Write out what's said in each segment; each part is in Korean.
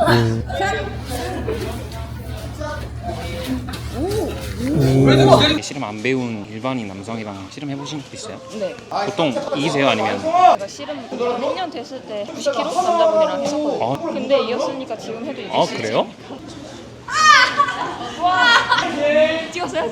씨름 안 배운 일반인 남성이랑 씨름 해보신 적 있어요? 네. 보통 이기세요 아니면? 제가 씨름 1년 됐을 때 90kg 남자분이랑 했었거든요. 아. 근데 이겼으니까 지금 해도 이길 아 수 그래요? 있어요. 찍었어요?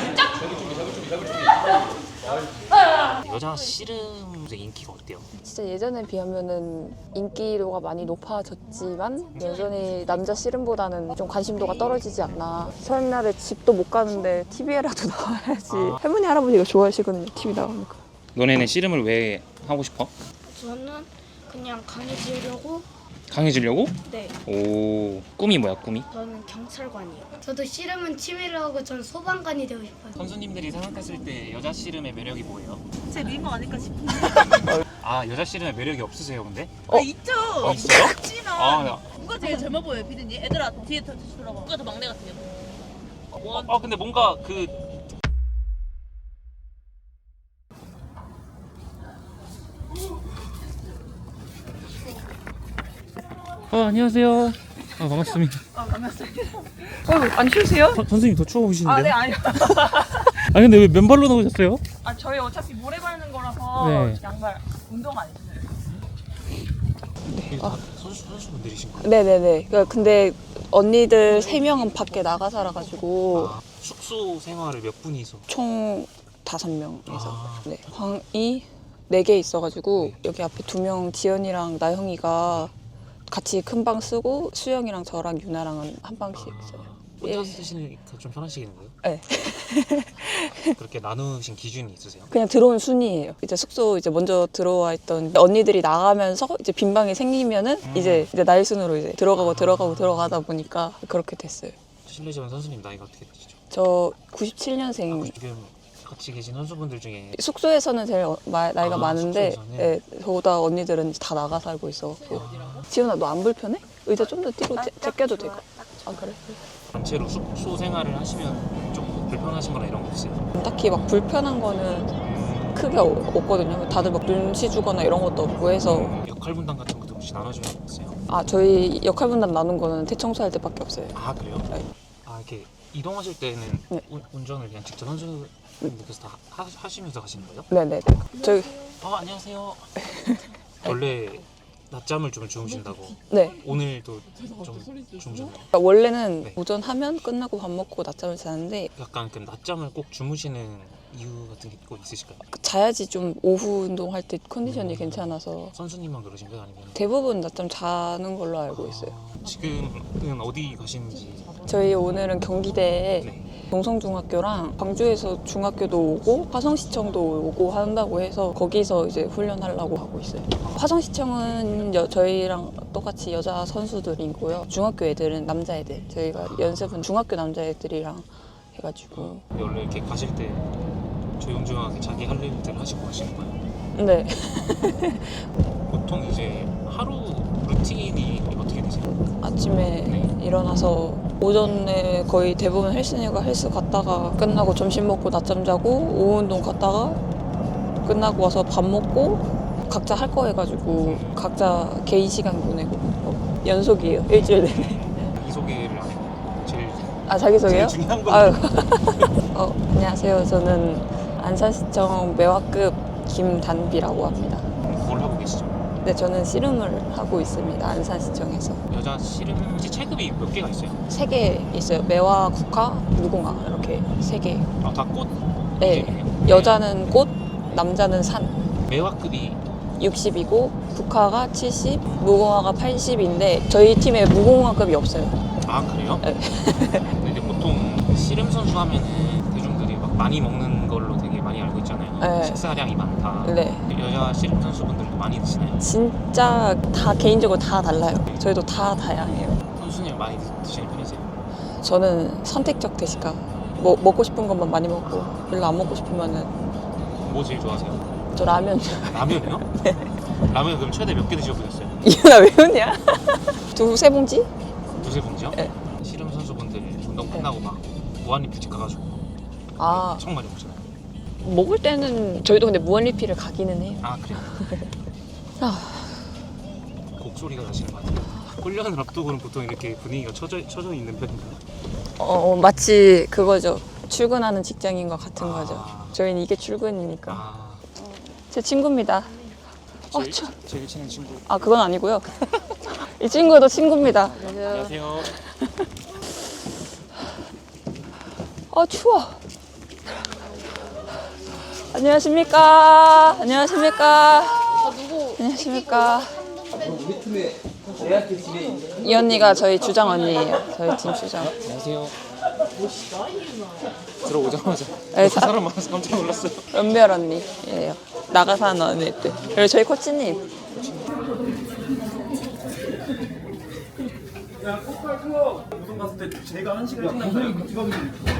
여자 씨름 인기가 어때요? 진짜 예전에 비하면은 인기도가 많이 높아졌지만 여전히 남자 씨름보다는 좀 관심도가 떨어지지 않나. 설날에 집도 못 가는데 TV에라도 나와야지. 할머니 할아버지가 좋아하시거든요. TV 나오니까. 너네는 씨름을 왜 하고 싶어? 저는 그냥 강해지려고. 강해지려고? 네. 오, 꿈이 뭐야 꿈이? 저는 경찰관이요. 저도 씨름은 취미로 하고 전 소방관이 되고 싶어요. 선수님들이 생각했을 때 여자 씨름의 매력이 뭐예요? 제 미모 아닐까 싶은데. 아 여자 씨름의 매력이 없으세요 근데? 있죠. 있어요? 있지만 아, 누가 제일 젊어 보여요, 피디님? 애들아 뒤에 다시 돌아봐. 누가 더 막내 같아요? 근데 뭔가 그 안녕하세요. 반갑습니다. 안 추우세요? 선생님 더 추워 보이시는데요? 아, 네, 아니요. 아 근데 왜 맨발로 나오셨어요? 아, 저희 어차피 모래 밟는 거라서 네. 양말 운동 안 했어요. 선수분들이신 거예요? 네네네. 근데 언니들 3명은 밖에 나가 살아가지고 숙소 생활을 몇 분이서? 총 5명에서 아. 네. 방이 4개 있어가지고 여기 앞에 2명 지연이랑 나영이가 같이 큰 방 쓰고 수영이랑 저랑 유나랑은 한 방씩 써요. 혼자 쓰시니까 좀 편하시겠는데요? 네. 그렇게 나누신 기준이 있으세요? 그냥 들어온 순이에요. 이제 숙소 이제 먼저 들어와 있던 언니들이 나가면서 이제 빈 방이 생기면은 이제 나이 순으로 이제 들어가다 보니까 그렇게 됐어요. 실례지만 선수님 나이가 어떻게 되시죠? 저 97년생. 지금 같이 계신 선수분들 중에 숙소에서는 제일 나이가 많은데 숙소에서는? 네, 저보다 언니들은 다 나가 살고 있어갖고. 지연아 너 안 불편해? 의자 좀 더 뒤로 제껴도 되고. 아 그래? 단체로 숙소 생활을 하시면 좀 불편하신 거나 이런 거 없어요? 딱히 막 불편한 거는 크게 없거든요. 다들 막 눈치 주거나 이런 것도 없고 해서. 역할 분담 같은 것도 혹시 나눠주는 거 있어요? 아 저희 역할 분담 나눈 거는 대청소할 때밖에 없어요. 아 그래요? 네. 아 이렇게 이동하실 때는 네. 운전을 그냥 직접 선수님께서 다 하시면서 가시는 거예요? 네네. 저희 안녕하세요. 원래 낮잠을 좀 주무신다고 네. 오늘도 좀 주무셨나요? 그러니까 원래는 네. 오전 하면 끝나고 밥 먹고 낮잠을 자는데 약간 그 낮잠을 꼭 주무시는 이유 같은 게 꼭 있으실까요? 자야지 좀 오후 운동할 때 컨디션이 괜찮아서 선수님만 그러신 거예요? 아니면? 대부분 낮잠 자는 걸로 알고 있어요. 지금은 어디 가시는지? 저희 오늘은 경기대에 네. 동성중학교랑 광주에서 중학교도 오고 화성시청도 오고 한다고 해서 거기서 이제 훈련하려고 하고 있어요. 화성시청은 저희랑 똑같이 여자 선수들이고요. 중학교 애들은 남자애들. 저희가 연습은 중학교 남자애들이랑 해가지고. 원래 이렇게 가실 때 조용조용하게 자기 할 일들 하시고 가시는 거예요? 네. 보통 이제 하루 루틴이 어떻게 되세요? 아침에 네. 일어나서 오전에 거의 대부분 헬스 갔다가 끝나고 점심 먹고 낮잠 자고 오후 운동 갔다가 끝나고 와서 밥 먹고 각자 할 거 해가지고 각자 개인 시간 보내고 연속이에요. 일주일 내내. 자기소개를 안 해요. 제일 자기소개요? 제일 중요한 거. 아유. 안녕하세요. 저는 안산시청 매화급 김단비라고 합니다. 뭘 하고 계시죠? 네, 저는 씨름을 하고 있습니다. 안산시청에서. 여자 씨름지 체급이 몇 개가 있어요? 3개 있어요. 매화, 국화, 무궁화 이렇게 3개. 다 꽃? 네. 여자는 꽃, 남자는 산. 매화급이 60이고 국화가 70, 무궁화가 80인데 저희 팀에 무궁화급이 없어요. 아 그래요? 네. 근데 이제 보통 씨름 선수 하면은 대중들이 막 많이 먹는 걸로 되게 많이 알고 있잖아요. 네. 식사량이 많다. 네. 여자 씨름 선수분들도 많이 드시나요? 진짜 다 개인적으로 다 달라요. 저희도 다 다양해요. 선수님 많이 드시는 편이세요? 저는 선택적 대식가. 먹고 싶은 것만 많이 먹고 별로 안 먹고 싶으면은 뭐 제일 좋아하세요? 저 라면. 라면이요? 네. 라면 그럼 최대 몇 개 드셔보셨어요? 이현아 왜 웃냐? 2-3봉지? 두세 봉지요? 네. 씨름 선수분들 운동 끝나고 막 무한리필집 가가지고 엄청 많이 먹잖아요. 먹을 때는 저희도 근데 무한리필을 가기는 해요. 아 그래요? 아. 곡소리가 나시는 것 같아요. 훈련을 앞두고는 보통 이렇게 분위기가 처져 있는 편인가요? 마치 그거죠. 출근하는 직장인과 같은 거죠. 저희는 이게 출근이니까. 아, 제 친구입니다. 제일 친한 친구. 아, 그건 아니고요. 이 친구도 친구입니다. 안녕하세요. 추워. 안녕하십니까. 안녕하십니까. 안녕하십니까. 이 언니가 저희 주장 언니예요. 저희 팀 주장. 안녕하세요. 들어오자마자 네, 사람 많아서 깜짝 놀랐어요. 은별 언니예요. 나가사는 언니들. 그리고 저희 코치님. 우선 갔을 때 제가 한 시간 끝나고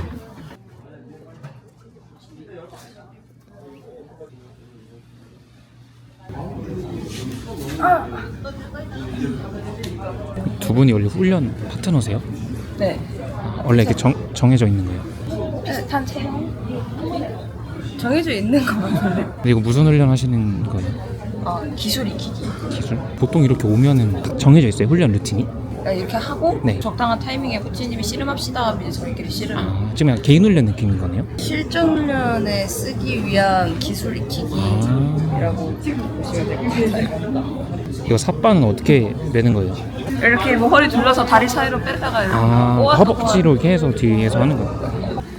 두 분이 원래 훈련 파트너세요? 네. 원래 이렇게 정해져 있는 거예요? 단체형? 정해져 있는 거 같은데. 근데 이거 무슨 훈련 하시는 거예요? 기술 익히기. 기술? 보통 이렇게 오면은 다 정해져 있어요? 훈련 루틴이? 그러니까 이렇게 하고 네. 적당한 타이밍에 코치님이 씨름합시다 하면 이제 저희끼리 씨름. 지금 그냥 개인 훈련 느낌인 거네요? 실전 훈련에 쓰기 위한 기술 익히기라고 보시면 될 것 같아요. 이거 삿바는 어떻게 매는 거예요? 이렇게 뭐 허리 둘러서 다리 사이로 빼다가 이렇게 꼬아서 허벅지로 이렇게 해서 뒤에서 하는 거예요?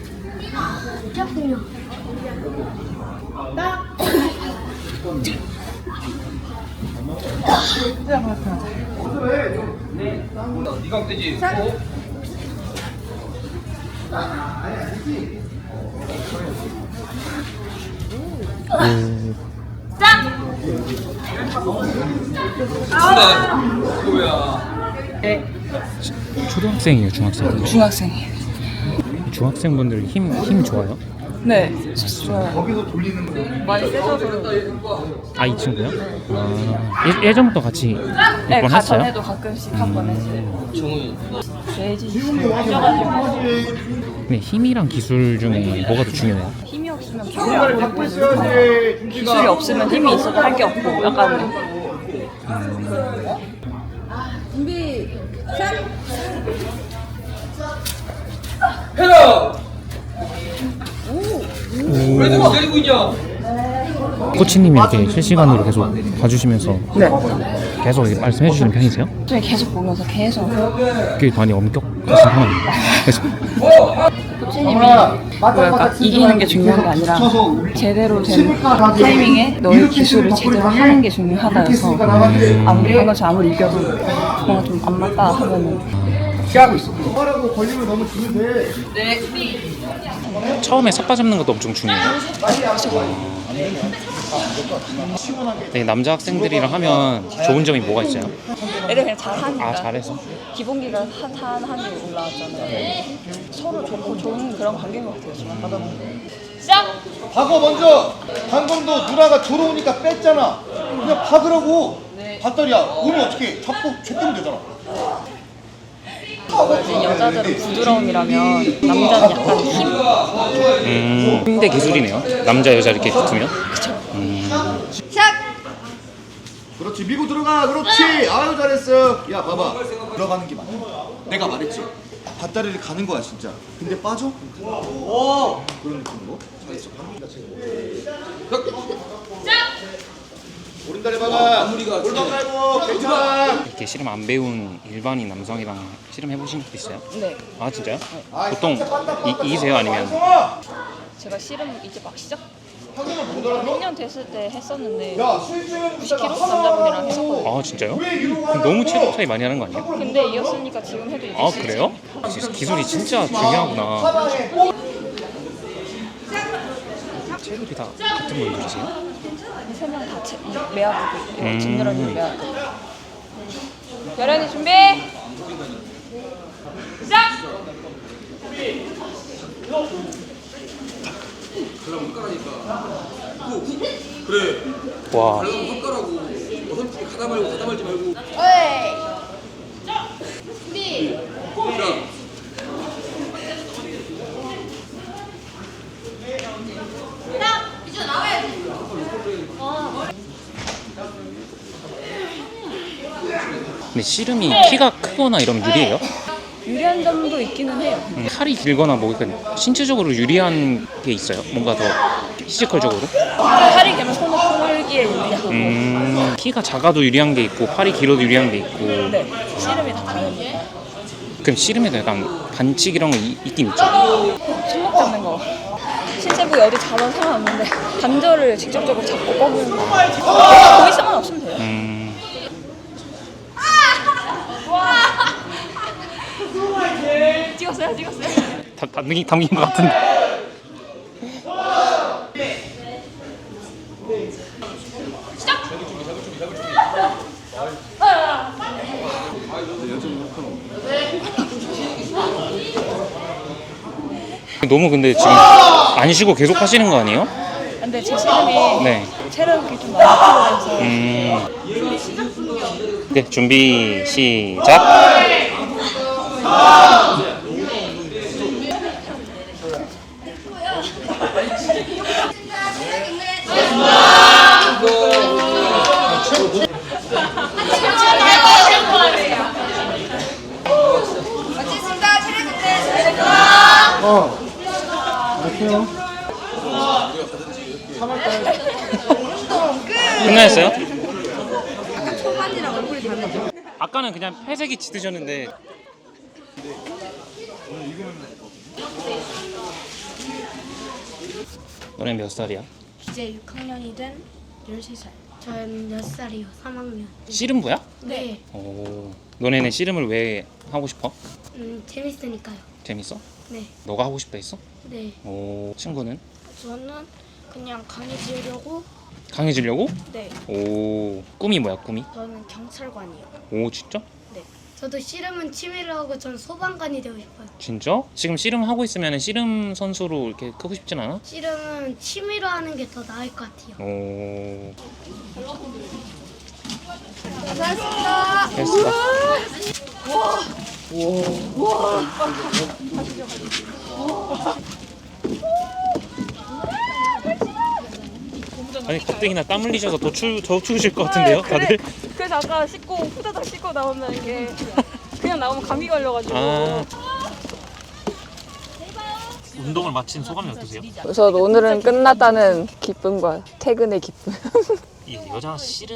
초등학생이에요, 중학생? 중학생이에요. 중학생분들 힘 좋아요? 네, 좋아요. 많이 세져서 이 친구요? 예전부터 같이 네, 몇번 했어요? 전에도 가끔씩 한 번 했어요. 돼지 빠져가지고 네, 힘이랑 기술 중에 뭐가 더 중요해요? 힘이 없으면 기술이 안 보이고 기술이 없으면 힘이 있어도 할 게 없고 약간 코치님이 이렇게 실시간으로 계속 봐주시면서 계속 이렇게 말씀해 주시는 편이세요? 저희 계속 보면서 계속 그게 많이 엄격하신 상황이에요? 계속 코치님이 뭐랄까 이기는 게 중요한 게 아니라 제대로 된 타이밍에 너의 기술을 제대로 하는 게 중요하다여서 아무리 한 것이 아무리 이겨도 뭔가 좀 안 맞다 하면은 하라고 걸리면 너무 주면 돼. 처음에 삿바 잡는 것도 엄청 중요해요. 네, 남자 학생들이랑 하면 좋은 점이 뭐가 있어요? 애들 그냥 잘하니까 잘해서? 기본기가 한이 올라왔잖아요. 서로 좋고 좋은 그런 관계인 것 같아요. 지금 하다 보면. 시작! 박어 먼저. 방금도 누나가 들어오니까 뺐잖아. 그냥 박으라고. 밧다리야. 오면 어떻게? 잡고 줬으면 되잖아. 이제 여자들은 부드러움이라면 남자는 약간 힘. 힘대 기술이네요. 남자 여자 이렇게 붙으면. 그렇지. 밀고 들어가. 그렇지. 아유 잘했어. 야 봐봐. 들어가는 게 맞아. 내가 말했지. 밧다리를 가는 거야 진짜. 근데 빠져? 그런 느낌으로. 잘했어. 오른다리 박아. 골반 말고 괜찮아. 이렇게 씨름 안 배운 일반인 남성이랑 씨름 해보신 적도 있어요? 네. 아 진짜요? 보통 이기세요 아니면? 제가 씨름 이제 막 시작 1년 됐을 때 했었는데 야 수익주는 90kg 남자분이랑 했었거든요. 아 진짜요? 그럼 너무 체력 차이 많이 하는 거 아니에요? 근데 이었으니까 지금 해도 이제 아 그래요? 기술이 진짜 중요하구나. 체력이 다 같은 분들이세요? 3명 다 매하고 있고 음. 진열언니 매하고. 결연이 준비. 시작. 와. 근데 씨름이 키가 크거나 이러면 유리해요? 유리한 점도 있기는 해요. 팔이 길거나 뭐 그러니까 신체적으로 유리한 게 있어요? 뭔가 더 피지컬적으로? 팔이 길면 손을 풀기에 유리하고. 키가 작아도 유리한 게 있고 팔이 길어도 유리한 게 있고. 네, 씨름이 다 다르게. 그럼 씨름에도 약간 반칙 이런 거 있긴 있죠? 손목 잡는 거. 신체부위 어디 잡아서 상관없는데 관절을 직접적으로 잡고 꺾는 거. 보이스만 없으면 돼요. 찍었어요? 담긴 것 같은데. 너무 근데 지금 안 쉬고 계속 하시는 거 아니에요? 근데 제 씨름이 네. 체력이 좀 많이 필요해서. 네, 준비 시작. 끝나셨어요? 아까는 그냥 회색이 짙으셨는데. 너네 몇 살이야? 이제 6학년이 된 13살. 전 몇 살이요? 3학년. 씨름부야? 네. 오. 너네는 씨름을 왜 하고 싶어? 재밌으니까요. 재밌어? 네. 너가 하고 싶다 했어? 네. 오. 친구는? 저는 그냥 강해지려고. 강해지려고? 네. 오. 꿈이 뭐야 꿈이? 저는 경찰관이요. 오 진짜? 네. 저도 씨름은 취미로 하고 전 소방관이 되고 싶어요. 진짜? 지금 씨름 하고 있으면 씨름 선수로 이렇게 크고 싶진 않아? 씨름은 취미로 하는 게 더 나을 것 같아요. 오. 고생하셨습니다. 됐어. 아니 가뜩이나 땀 흘리셔서 더 추우실 것 같은데요, 다들? 그래서 아까 씻고 후다닥 씻고 나오면 이게 그냥 나오면 감기 걸려가지고. 아. 운동을 마친 소감이 어떠세요? 그래서 오늘은 끝났다는 기쁨과 퇴근의 기쁨. 이 여자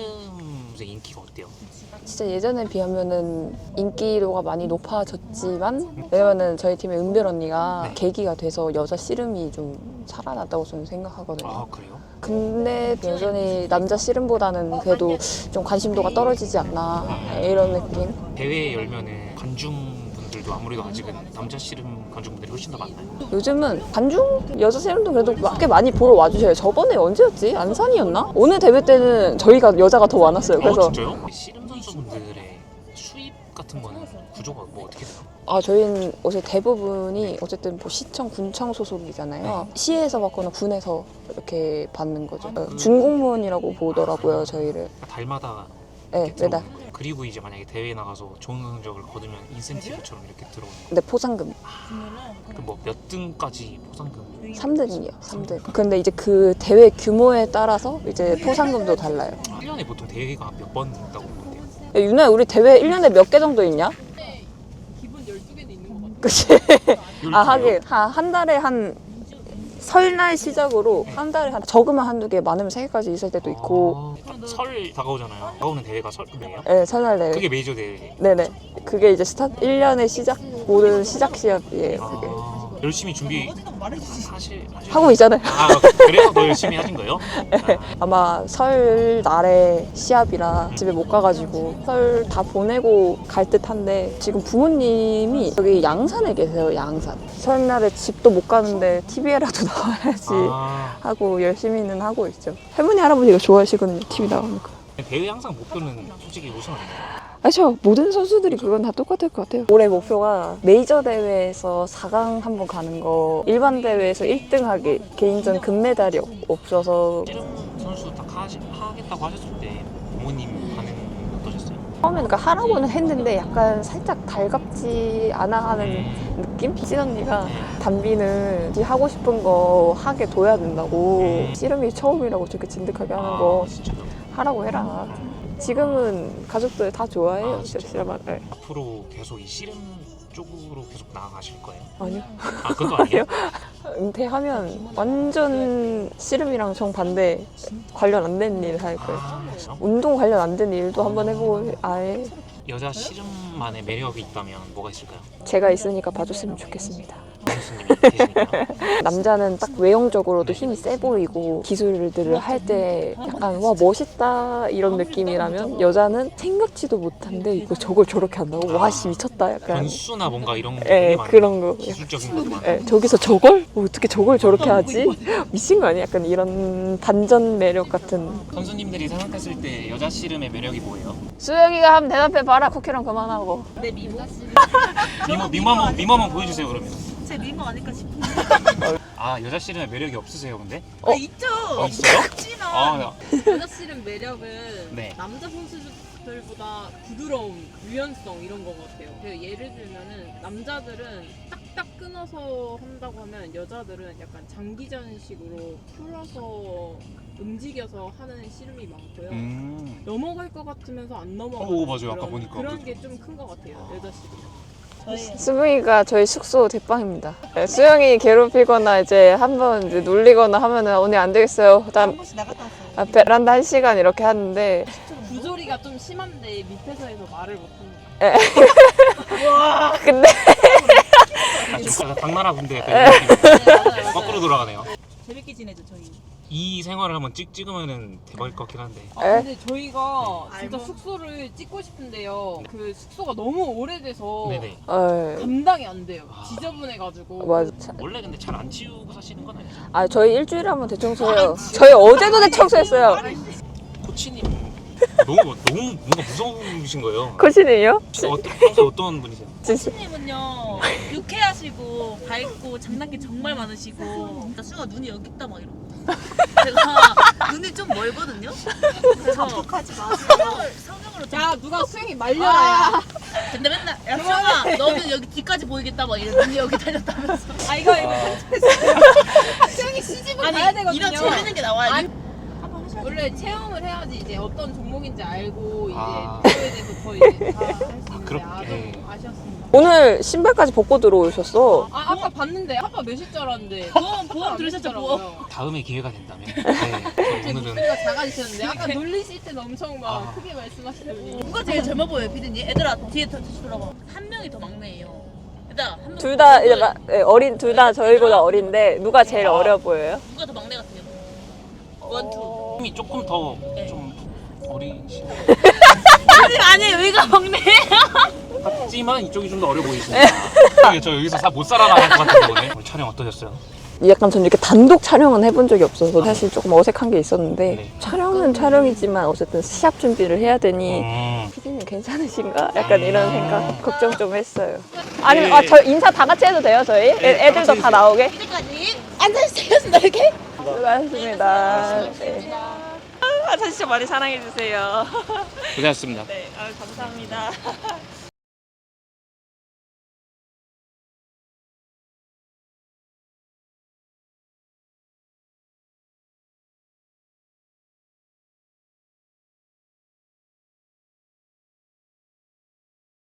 씨름의 인기가 어때요? 진짜 예전에 비하면은 인기도가 많이 높아졌지만, 왜냐면은 저희 팀의 은별 언니가 네. 계기가 돼서 여자 씨름이 좀 살아났다고 저는 생각하거든요. 아 그래요? 근데 여전히 남자 씨름보다는 그래도 좀 관심도가 떨어지지 않나 이런 느낌. 대회 열면은 관중분들도 아무래도 아직은 남자 씨름 관중분들이 훨씬 더 많나요? 요즘은 관중 여자 씨름도 그래도 꽤 많이 보러 와주셔요. 저번에 언제였지? 안산이었나? 오늘 대회 때는 저희가 여자가 더 많았어요. 그래서 진짜요? 씨름 선수분들의 수입 같은 거는 구조가 뭐 어떻게 돼요? 저희는 어제 대부분이 어쨌든 뭐 시청, 군청 소속이잖아요. 시에서 받거나 군에서 이렇게 받는 거죠. 준공무원이라고 보더라고요, 저희를. 달마다 네, 이렇게 매달. 들어오는 거예요. 그리고 이제 만약에 대회에 나가서 좋은 성적을 거두면 인센티브처럼 이렇게 들어오는 거예요. 근데 포상금 뭐 몇 등까지 포상금? 3등이요, 3등. 근데 이제 그 대회 규모에 따라서 이제 포상금도 달라요. 1년에 보통 대회가 몇 번 있다고 보는데요? 야, 유나야, 우리 대회 1년에 몇 개 정도 있냐? 기본 12개는 있는 것 같아. 그치? 아, 하긴. 한 달에 한 설날 시작으로 한 달에 한 적으면 한두 개, 많으면 3개까지 있을 때도 있고. 설 다가오잖아요. 다가오는 대회가 설이에요? 네, 설날 대회. 그게 메이저 대회. 네네. 그게 이제 1년의 시작, 모든 시작 시합이에요, 그게. 열심히 준비 사실 하고 있잖아요. 아 그래서 더 열심히 하신 거예요? 아마 설 날에 시합이라 집에 못 가가지고 설 다 보내고 갈 듯한데, 지금 부모님이 여기 양산에 계세요. 양산. 설날에 집도 못 가는데 TV에라도 나와야지 하고 열심히는 하고 있죠. 할머니 할아버지가 좋아하시거든요, TV 나오는 거. 대회 항상 목표는 솔직히 우승 아니에요? 아니죠. 모든 선수들이 그건 다 똑같을 것 같아요. 올해 목표가 메이저 대회에서 4강 한번 가는 거, 일반 대회에서 1등 하기, 개인전 금메달이 없어서. 씨름 선수 딱 하겠다고 하셨을 때 부모님 반응 어떠셨어요? 처음에는 그러니까 하라고는 했는데 약간 살짝 달갑지 않아 하는 느낌? 찐언니가 담비는 지 하고 싶은 거 하게 둬야 된다고, 씨름이 처음이라고 저렇게 진득하게 하는 거 진짜요? 하라고 해라. 지금은 가족들 다 좋아해요. 씨름을. 네. 앞으로 계속 이 씨름 쪽으로 계속 나아가실 거예요? 아니요. 아 그것도 아니에요? 은퇴하면 완전 씨름이랑 정반대 관련 안 되는 일 할 거예요. 아, 그래요? 운동 관련 안 되는 일도 한번 해보고 아예 여자 씨름만의 매력이 있다면 뭐가 있을까요? 제가 있으니까 봐줬으면 좋겠습니다. 교수님이 계시니까. 남자는 딱 외형적으로도 힘이 세 보이고 기술들을 할 때 약간 와 멋있다 이런 느낌이라면 여자는 생각지도 못한데 이거 저걸 저렇게 한다고 와씨 미쳤다 약간 변수나 뭔가 이런 게 예 되게 많아요. 그런 거 기술적인 것도 많아요. 예, 저기서 저걸? 어떻게 저걸 저렇게 하지? 미친 거 아니야? 약간 이런 반전 매력 같은 선수님들이 생각했을 때 여자 씨름의 매력이 뭐예요? 수영이가 한번 대답해봐라 쿠키랑 그만하고 내 미모? 미모 한번 보여주세요 그러면. 제 미모 아닐까 싶은데. 아 여자 씨름의 매력이 없으세요 근데? 있죠. 있어요? 없지만 아 여자 씨름 매력은 네. 남자 선수들보다 부드러움, 유연성 이런 거 같아요. 그 예를 들면은 남자들은 딱딱 끊어서 한다고 하면 여자들은 약간 장기전식으로 풀어서 움직여서 하는 씨름이 많고요. 넘어갈 것 같으면서 안 넘어가는 오, 맞아요. 아까 보니까 그런 게 좀 큰 것 같아요. 여자 씨름. 수붕이가 저희 숙소 대빵입니다. 네, 수영이 괴롭히거나 이제 한번 이제 놀리거나 하면은 오늘 안 되겠어요. 일단 번씩 나갔다 왔어요. 베란다 1시간 이렇게 하는데 부조리가 좀 심한데 밑에서 해서 말을 못합니다. 근데 약간 당나라 군대 약간 이런 느낌이에요. 거꾸로 돌아가네요. 재밌게 지내죠 저희. 이 생활을 한번 찍으면은 대박일 것 같긴 한데. 아, 근데 저희가 진짜 알몸? 숙소를 찍고 싶은데요. 그 숙소가 너무 오래돼서 네네. 감당이 안 돼요. 아. 지저분해가지고. 맞아. 원래 근데 잘 안 치우고 사시는 건 아니죠? 아 저희 일주일에 한 번 대청소해요. 저희 어제도 대청소했어요. 코치님 너무 뭔가 무서우신 거예요. 코치님요? 평소 어떤 분이세요? 코치님은요 유쾌하시고 밝고 장난기 정말 많으시고 진짜 수가 눈이 여기 있다 막 이러고 제가 눈이 좀 멀거든요. 그래서 자폭하지 마. 성형으로 좀. 야 누가 수영이 말려라. 근데 맨날 야 수영아 너는 여기 뒤까지 보이겠다 막 이래 눈이 여기 달렸다면서. 아 이거 수영이 시집을 가야 되거든요. 이런 재밌는 게 나와야지. 원래 체험을 해야지 이제 어떤 종목인지 알고 이제 아. 그거에 대해서 더 이제 다 할 수 있는데 그렇게. 아쉬웠습니다. 오늘 신발까지 벗고 들어오셨어. 아 아까 봤는데 아까 몇일 줄 알았는데 보험 들으셨죠 보험. 다음에 기회가 된다면. 네. 제 오늘은 목소리가 작아지셨는데 아까 놀리실 때는 엄청 막 아. 크게 말씀하시더니 누가 제일 젊어 보여요 피디님? 얘들아 뒤에 다시 돌아봐. 한 명이 더 막내예요. 얘들아 한 명. 둘 다 이제 어린 둘 다 저희보다 어린데 누가 제일 어려 보여요? 누가 더 막내 같아요? 원투. 힘이 조금 더 좀 어리신 아니에요 여기가 막내예요. 같지만 이쪽이 좀 더 어려 보이십니다. 저 여기서 못 살아나갈 것 같은데 오늘. 오늘 촬영 어떠셨어요? 약간 전 이렇게 단독 촬영은 해본 적이 없어서 사실 조금 어색한 게 있었는데 네. 촬영은 촬영이지만 어쨌든 시합 준비를 해야 되니 피디님 괜찮으신가? 약간 이런 생각 걱정 좀 했어요. 아니 저 인사 다 같이 해도 돼요 저희? 애들도 다 나오게? 이제까지 앉아주세요 이렇게. 수고하셨습니다. 네. 아, 진짜 많이 사랑해주세요. 고생하셨습니다. 네, 감사합니다.